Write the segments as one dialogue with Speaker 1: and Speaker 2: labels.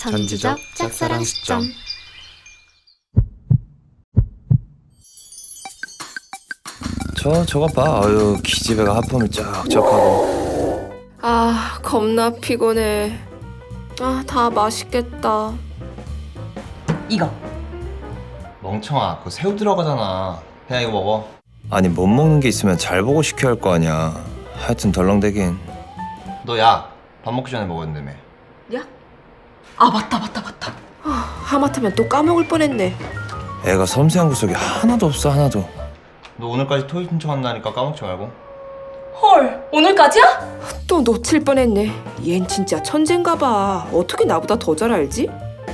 Speaker 1: 전지적 짝사랑 시점.
Speaker 2: 저거 봐. 아유, 기집애가 하품을 쫙쫙하고.
Speaker 3: 아, 겁나 피곤해. 아, 다 맛있겠다.
Speaker 4: 이거
Speaker 2: 멍청아, 그거 새우 들어가잖아. 그냥 이거 먹어. 아니, 못 먹는 게 있으면 잘 보고 시켜야 할 거 아니야. 하여튼 덜렁대긴. 너 야, 밥 먹기 전에 먹어야 된다며.
Speaker 4: 야? 아 맞다
Speaker 3: 아, 하마터면 또 까먹을 뻔했네.
Speaker 2: 애가 섬세한 구석이 하나도 없어, 하나도. 너 오늘까지 토익 신청한다니까 까먹지 말고.
Speaker 4: 헐 오늘까지야?
Speaker 3: 또 놓칠 뻔했네. 얜 진짜 천재인가 봐. 어떻게 나보다 더 잘 알지?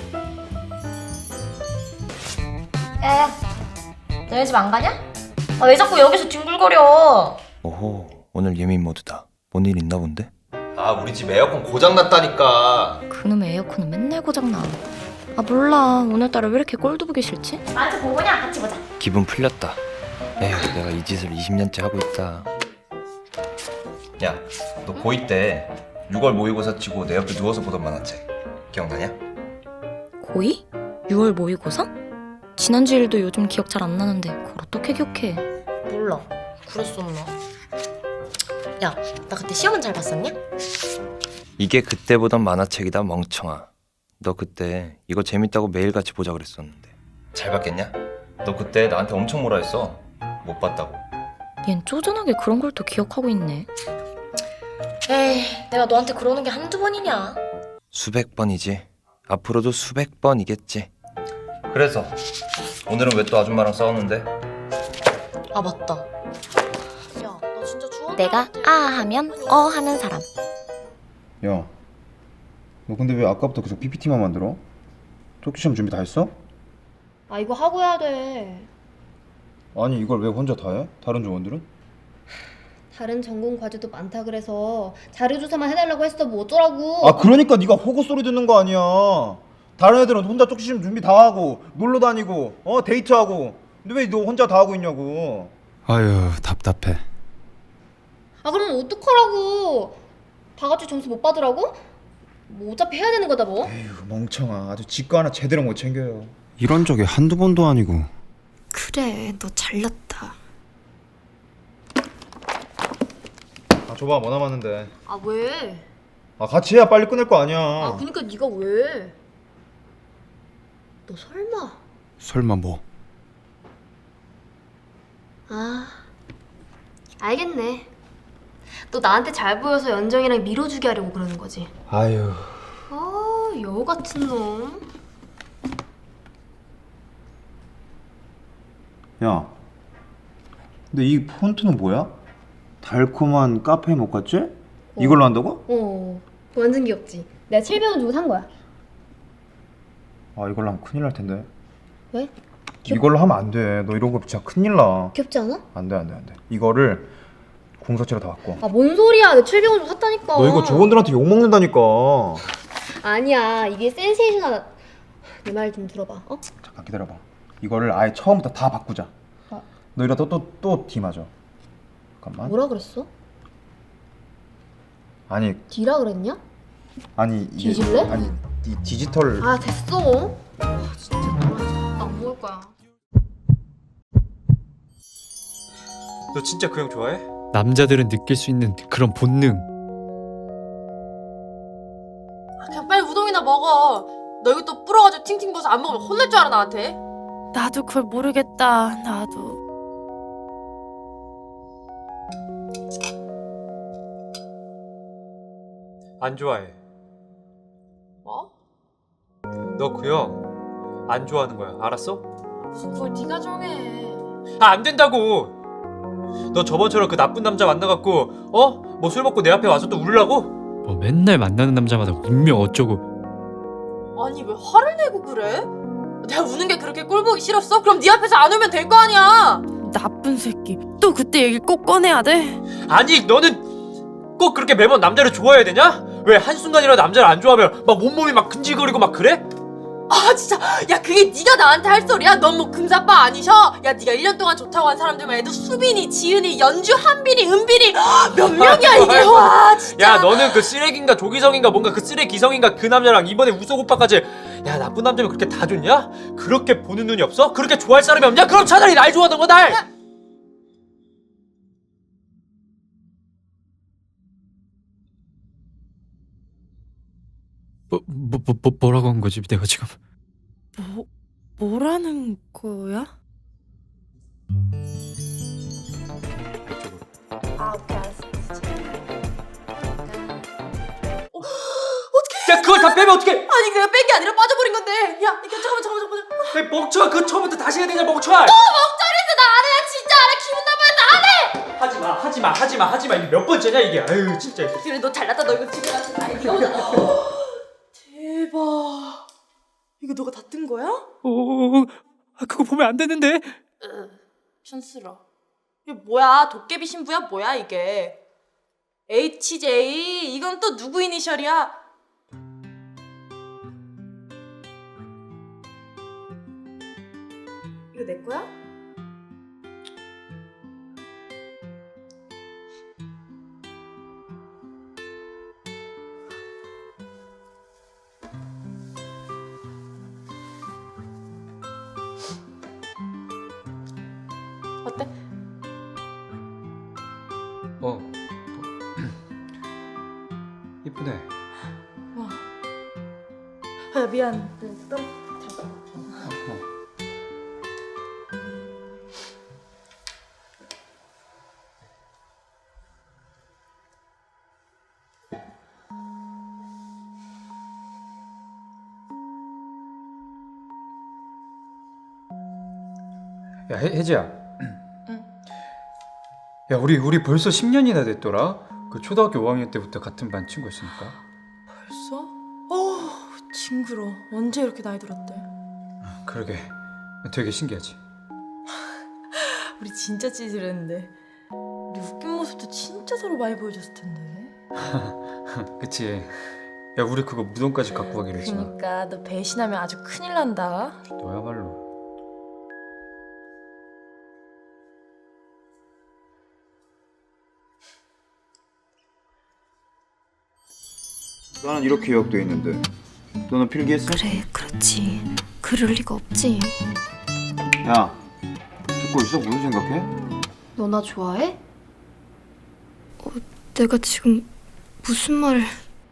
Speaker 5: 야야, 너희 집 안 가냐? 아, 왜 자꾸 여기서 뒹굴거려?
Speaker 2: 오호, 오늘 예민 모드다. 뭔 일 있나 본데? 아, 우리 집 에어컨 고장났다니까.
Speaker 5: 그놈의 에어컨은 맨날 고장나. 아 몰라, 오늘따라 왜 이렇게 꼴도 보기 싫지? 나한테 보고냐? 같이 보자.
Speaker 2: 기분 풀렸다. 에휴, 내가 이 짓을 20년째 하고 있다. 야, 너 고2 때 6월 모의고사 치고 내 옆에 누워서 보던 만화책 기억나냐?
Speaker 5: 고2? 6월 모의고사? 지난주 일도 요즘 기억 잘 안 나는데 그걸 어떻게 기억해? 몰라, 그랬었나? 야, 나 그때 시험은 잘 봤었냐?
Speaker 2: 이게 그때 보던 만화책이다, 멍청아. 너 그때 이거 재밌다고 매일같이 보자 그랬었는데 잘 봤겠냐? 너 그때 나한테 엄청 뭐라 했어. 못 봤다고.
Speaker 5: 얜 쪼잔하게 그런 걸 또 기억하고 있네. 에이, 내가 너한테 그러는 게 한두 번이냐?
Speaker 2: 수백 번이지. 앞으로도 수백 번이겠지. 그래서 오늘은 왜 또 아줌마랑 싸웠는데?
Speaker 5: 아 맞다. 야, 나 진짜 주원. 내가 아 하면 어 하는 사람.
Speaker 6: 야, 너 근데 왜 아까부터 계속 PPT만 만들어? 쪽지시험 준비 다 했어?
Speaker 7: 아 이거 하고 해야 돼.
Speaker 6: 아니 이걸 왜 혼자 다 해? 다른 조원들은?
Speaker 7: 다른 전공 과제도 많다 그래서 자료 조사만 해달라고 했어. 뭐 어쩌라고.
Speaker 6: 아 그러니까 네가 호구 소리 듣는 거 아니야. 다른 애들은 혼자 쪽지시험 준비 다 하고 놀러 다니고 데이트하고. 근데 왜 너 혼자 다 하고 있냐고.
Speaker 1: 아유, 답답해.
Speaker 7: 아 그럼 어떡하라고. 다 같이 점수 못 받으라고? 뭐 어차피 해야 되는 거다 뭐.
Speaker 6: 에휴 멍청아, 아주 지거 하나 제대로 못 챙겨요.
Speaker 1: 이런 적이 한두 번도 아니고.
Speaker 3: 그래, 너 잘났다.
Speaker 6: 아 줘봐, 뭐 남았는데.
Speaker 7: 아 왜?
Speaker 6: 아 같이 해야 빨리 끝낼 거 아니야.
Speaker 7: 아 그니까 네가 왜? 너 설마.
Speaker 1: 설마 뭐?
Speaker 7: 아 알겠네. 너 나한테 잘 보여서 연정이랑 밀어주게 하려고 그러는 거지.
Speaker 6: 아유.
Speaker 7: 아 여우 같은 놈.
Speaker 6: 야, 근데 이 폰트는 뭐야? 달콤한 카페 모카채? 이걸로 한다고?
Speaker 7: 완전 귀엽지. 내가 700원 주고 산 거야.
Speaker 6: 아 이걸로 하면 큰일 날 텐데.
Speaker 7: 왜?
Speaker 6: 이걸로 하면 안 돼. 너 이런 거 진짜 큰일 나.
Speaker 7: 귀엽지 않아?
Speaker 6: 안 돼, 안 돼, 안 돼. 이거를 공서체로 다 바꿔.
Speaker 7: 아 뭔 소리야. 내가 700원 주고 샀다니까.
Speaker 6: 너 이거 조원들한테 욕 먹는다니까.
Speaker 7: 아니야. 이게 센세이션하다. 내 말 좀 들어봐.
Speaker 6: 잠깐 기다려봐. 이거를 아예 처음부터 다 바꾸자. 너 이러다 또 D 맞아. 잠깐만.
Speaker 7: 뭐라 그랬어?
Speaker 6: 아니
Speaker 7: D라 그랬냐?
Speaker 6: 아니 이게
Speaker 7: 뒤질래?
Speaker 6: 아니 이 디지털.
Speaker 7: 아 됐어. 아 진짜 나안 먹을 거야.
Speaker 8: 너 진짜 그 형 좋아해?
Speaker 9: 남자들은 느낄 수 있는 그런 본능.
Speaker 4: 그냥 빨리 우동이나 먹어. 너 이거 또 불어가지고 팅팅 부어서 안 먹으면 혼날 줄 알아 나한테?
Speaker 10: 나도 그걸 모르겠다. 나도.
Speaker 8: 안 좋아해.
Speaker 4: 뭐?
Speaker 8: 너 그 형 안 좋아하는 거야. 알았어?
Speaker 4: 무슨 그걸 네가 정해.
Speaker 8: 아, 안 된다고. 너 저번처럼 그 나쁜 남자 만나갖고 뭐 술 먹고 내 앞에 와서 또 울라고?
Speaker 9: 뭐 맨날 만나는 남자마다 운명 어쩌고.
Speaker 4: 아니 왜 화를 내고 그래? 내가 우는 게 그렇게 꼴 보기 싫었어? 그럼 네 앞에서 안 울면 될 거 아니야.
Speaker 10: 나쁜 새끼. 또 그때 얘기 꼭 꺼내야 돼?
Speaker 8: 아니, 너는 꼭 그렇게 매번 남자를 좋아해야 되냐? 왜 한순간이라도 남자를 안 좋아하면 막 온몸이 막 근질거리고 막 그래?
Speaker 4: 아 진짜 야 그게 네가 나한테 할 소리야? 넌 뭐 금사빠 아니셔? 야 네가 1년 동안 좋다고 한 사람들만 해도 수빈이, 지은이, 연주, 한빈이, 은빈이 몇 명이야 이게. 와 진짜.
Speaker 8: 야 너는 그 쓰레기인가 조기성인가 뭔가 그 쓰레기성인가 그 남자랑 이번에 우석 오빠까지 야 나쁜 남자면 그렇게 다 좋냐? 그렇게 보는 눈이 없어? 그렇게 좋아할 사람이 없냐? 그럼 차라리 날 좋아하던 거 날!
Speaker 9: 뭐라고 한 거지 내가 지금?
Speaker 10: 뭐라는 거야?
Speaker 8: 야 그걸 다 빼면 어떡해!
Speaker 4: 아니 내가 뺀 게 아니라 빠져버린 건데. 야 이거 잠깐만.
Speaker 8: 야 멍청아 그 처음부터 다시 해야 되냐 멍청아!
Speaker 4: 멍청이지 나 안 해. 나 진짜 안 해. 기분 나빠서 안 해.
Speaker 8: 하지마 이게 몇 번째냐 이게 아유 진짜.
Speaker 4: 그래 너 잘났다. 너 이거 집에 가서 다 이거보다. 대박. 이거 너가 다 뜬 거야?
Speaker 9: 그거 보면 안 되는데.
Speaker 4: 촌스러. 이게 뭐야? 도깨비 신부야? 뭐야 이게? HJ 이건 또 누구 이니셜이야? 이거 내 거야? 어때?
Speaker 8: 이쁘네.
Speaker 4: 와. 아 미안.
Speaker 8: 야 혜지야. 야 우리 벌써 10년이나 됐더라. 그 초등학교 5학년 때부터 같은 반 친구였으니까.
Speaker 4: 벌써? 징그러. 언제 이렇게 나이 들었대?
Speaker 8: 그러게 되게 신기하지.
Speaker 4: 우리 진짜 찌질했는데 우리 웃긴 모습도 진짜 서로 많이 보여줬을 텐데.
Speaker 8: 그치. 야 우리 그거 무덤까지 갖고 가기로 했잖아.
Speaker 4: 그니까 너 배신하면 아주 큰일 난다.
Speaker 8: 너야말로.
Speaker 6: 나는 이렇게 기억돼 있는데 너는 필기했어?
Speaker 5: 그래, 그렇지. 그럴 리가 없지.
Speaker 6: 야 듣고 있어? 무슨 생각해?
Speaker 7: 너 나 좋아해?
Speaker 5: 내가 지금 무슨 말을...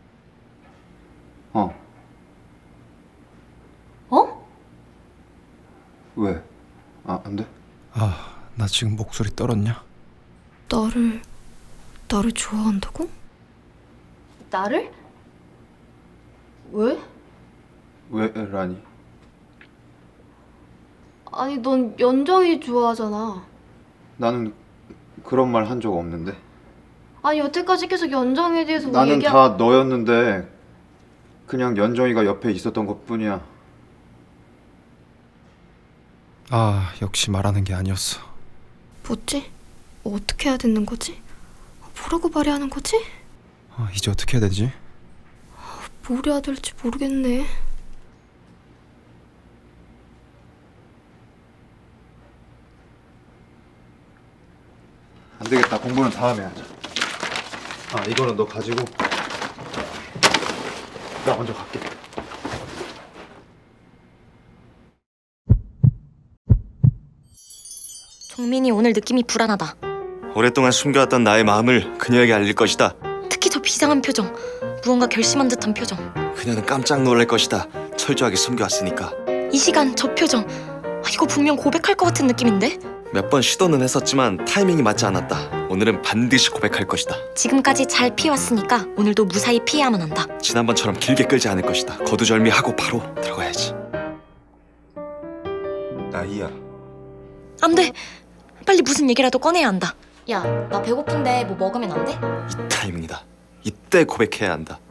Speaker 6: 어.
Speaker 7: 어?
Speaker 6: 왜? 아, 안 돼?
Speaker 1: 나 지금 목소리 떨었냐?
Speaker 5: 나를 좋아한다고?
Speaker 7: 나를? 왜?
Speaker 6: 왜라니?
Speaker 7: 아니 넌 연정이 좋아하잖아.
Speaker 6: 나는 그런 말 한 적 없는데.
Speaker 7: 아니 여태까지 계속 연정이에 대해서 뭐
Speaker 6: 나는 다 너였는데 그냥 연정이가 옆에 있었던 것뿐이야.
Speaker 1: 역시 말하는 게 아니었어.
Speaker 5: 뭐지? 어떻게 해야 되는 거지? 뭐라고 말해야 하는 거지?
Speaker 1: 이제 어떻게 해야 되지?
Speaker 5: 뭘 해야 될지 모르겠네.
Speaker 6: 안 되겠다. 공부는 다음에 하자. 이거는 너 가지고 나 먼저 갈게.
Speaker 5: 종민이 오늘 느낌이 불안하다.
Speaker 2: 오랫동안 숨겨왔던 나의 마음을 그녀에게 알릴 것이다.
Speaker 5: 특히 저 비상한 표정. 무언가 결심한 듯한 표정.
Speaker 2: 그녀는 깜짝 놀랄 것이다. 철저하게 숨겨왔으니까.
Speaker 5: 이 시간 저 표정. 이거 분명 고백할 것 같은 느낌인데?
Speaker 2: 몇 번 시도는 했었지만 타이밍이 맞지 않았다. 오늘은 반드시 고백할 것이다.
Speaker 5: 지금까지 잘 피해왔으니까 오늘도 무사히 피해야만 한다.
Speaker 2: 지난번처럼 길게 끌지 않을 것이다. 거두절미하고 바로 들어가야지. 나이야.
Speaker 5: 안 돼. 빨리 무슨 얘기라도 꺼내야 한다. 야, 나 배고픈데 뭐 먹으면 안 돼?
Speaker 2: 이 타이밍이다. 이때 고백해야 한다.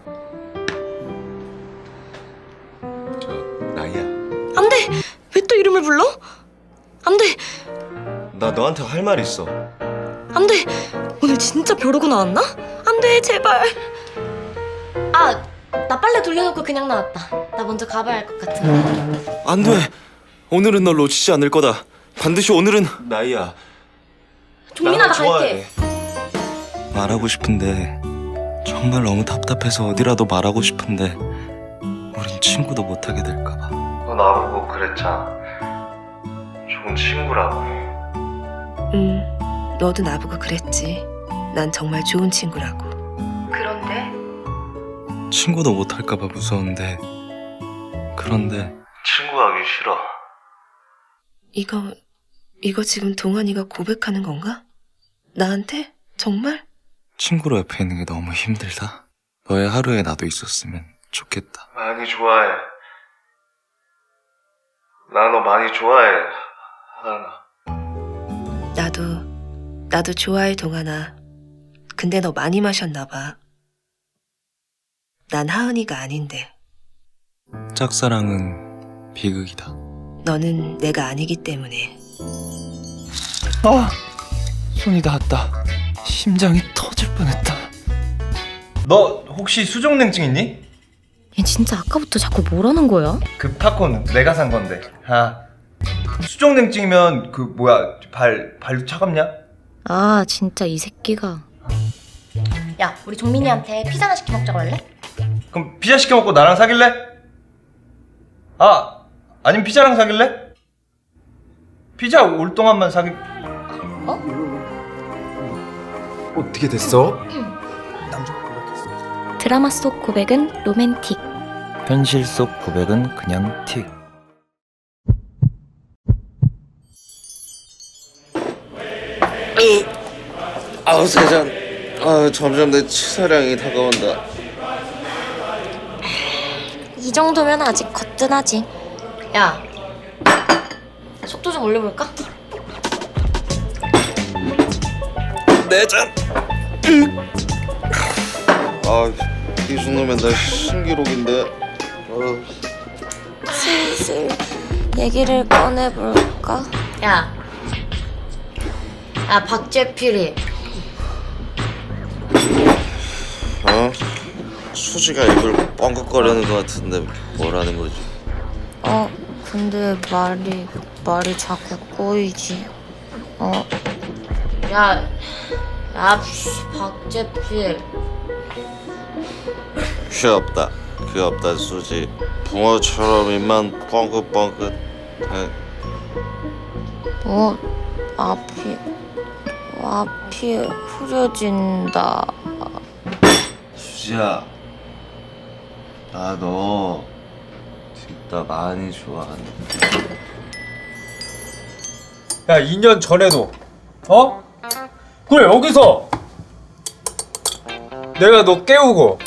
Speaker 2: 나이야.
Speaker 5: 안 돼. 왜 또 이름을 불러? 안 돼.
Speaker 2: 나 너한테 할 말 있어.
Speaker 5: 안 돼. 오늘 진짜 벼르고 나왔나? 안 돼, 제발. 나 나 빨래 돌려놓고 그냥 나왔다. 나 먼저 가봐야 할 것 같은데.
Speaker 11: 안 돼. 오늘은 널 놓치지 않을 거다. 반드시 오늘은 나이야.
Speaker 5: 종민아, 나 갈게.
Speaker 11: 말하고 싶은데 정말 너무 답답해서 어디라도 말하고 싶은데 우린 친구도 못하게 될까 봐.
Speaker 2: 너 나보고 그랬잖아. 좋은 친구라고.
Speaker 3: 너도 나보고 그랬지. 난 정말 좋은 친구라고. 그런데
Speaker 11: 친구도 못할까 봐 무서운데 그런데
Speaker 2: 친구하기 싫어.
Speaker 3: 이거 지금 동환이가 고백하는 건가? 나한테? 정말?
Speaker 11: 친구로 옆에 있는 게 너무 힘들다. 너의 하루에 나도 있었으면 좋겠다.
Speaker 2: 많이 좋아해. 나 너 많이 좋아해. 하나.
Speaker 3: 나도 좋아해, 동환아. 근데 너 많이 마셨나 봐. 난 하은이가 아닌데.
Speaker 11: 짝사랑은 비극이다.
Speaker 3: 너는 내가 아니기 때문에.
Speaker 11: 손이 닿았다. 심장이 터질 뻔했다.
Speaker 2: 너 혹시 수족냉증 있니?
Speaker 5: 얘 진짜 아까부터 자꾸 뭐라는 거야?
Speaker 2: 그 팝콘 내가 산 건데. 수족냉증이면 그 뭐야 발도 차갑냐?
Speaker 5: 아, 진짜 이 새끼가. 야, 우리 종민이한테 피자나 시켜 먹자고 할래?
Speaker 2: 그럼 피자 시켜 먹고 나랑 사귈래? 아니면 피자랑 사귈래? 피자 올 동안만 사귈.
Speaker 1: 어떻게 됐어?
Speaker 5: 드라마 속 고백은 로맨틱.
Speaker 11: 현실 속 고백은 그냥 틱.
Speaker 12: 아우 세상. 점점 내 치사량이 다가온다.
Speaker 5: 이 정도면 아직 거뜬하지. 야, 속도 좀 올려볼까?
Speaker 12: 내 잔. 이 정도면 나 신기록인데.
Speaker 5: 슬슬 얘기를 꺼내볼까? 야, 박재필이.
Speaker 12: 수지가 입을 뻥긋거리는 것 같은데 뭐라는 거지?
Speaker 5: 근데 말이 자꾸 꼬이지. 야, 박재필.
Speaker 12: 귀엽다 수지. 붕어처럼 입만 뻥긋뻥긋 해.
Speaker 5: 앞이 흐려진다.
Speaker 12: 수지야, 나 너 진짜 많이 좋아한다.
Speaker 8: 야, 2년 전에도 그래, 여기서 내가 너 깨우고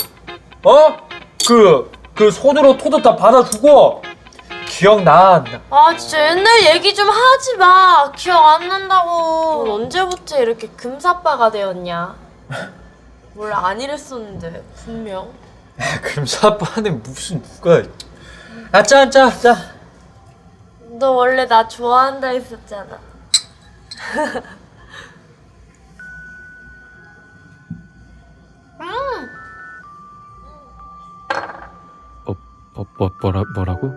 Speaker 8: 그 손으로 토도 다 받아주고 기억나 안 나?
Speaker 4: 아 진짜 옛날 얘기 좀 하지 마. 기억 안 난다고. 넌 언제부터 이렇게 금사빠가 되었냐? 원래 안 이랬었는데 분명.
Speaker 8: 금사빠는 무슨 누가. 짜.
Speaker 4: 너 원래 나 좋아한다 했었잖아.
Speaker 9: 뭐라고?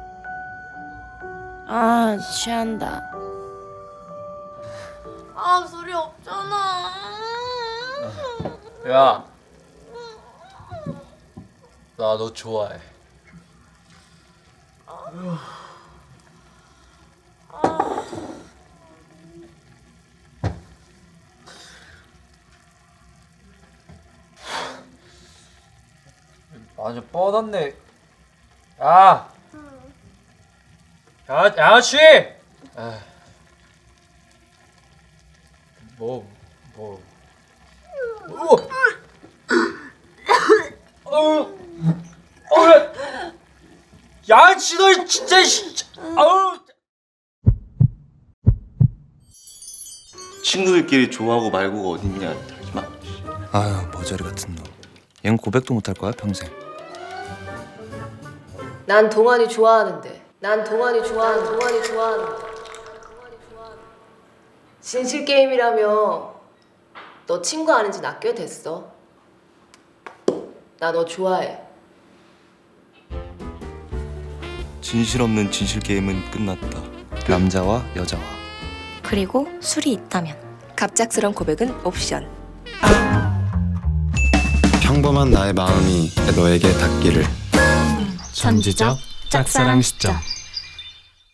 Speaker 10: 취한다.
Speaker 4: 소리 없잖아.
Speaker 8: 야, 나 너 좋아해. 완전 뻗었네. 양아치! 양아치 너 진짜
Speaker 12: 친구들끼리 좋아하고 말고가 어딨냐. 하지마.
Speaker 11: 아유, 머저리 같은 놈. 얜 고백도 못할 거야 평생.
Speaker 3: 난 동환이 좋아하는데. 진실 게임이라며. 너 친구 아는 지 나 꽤 됐어. 나 너 좋아해.
Speaker 11: 진실 없는 진실 게임은 끝났다.
Speaker 2: 남자와 여자와.
Speaker 5: 그리고 술이 있다면.
Speaker 3: 갑작스런 고백은 옵션.
Speaker 13: 평범한 나의 마음이 너에게 닿기를.
Speaker 9: 천지적 짝사랑 시점.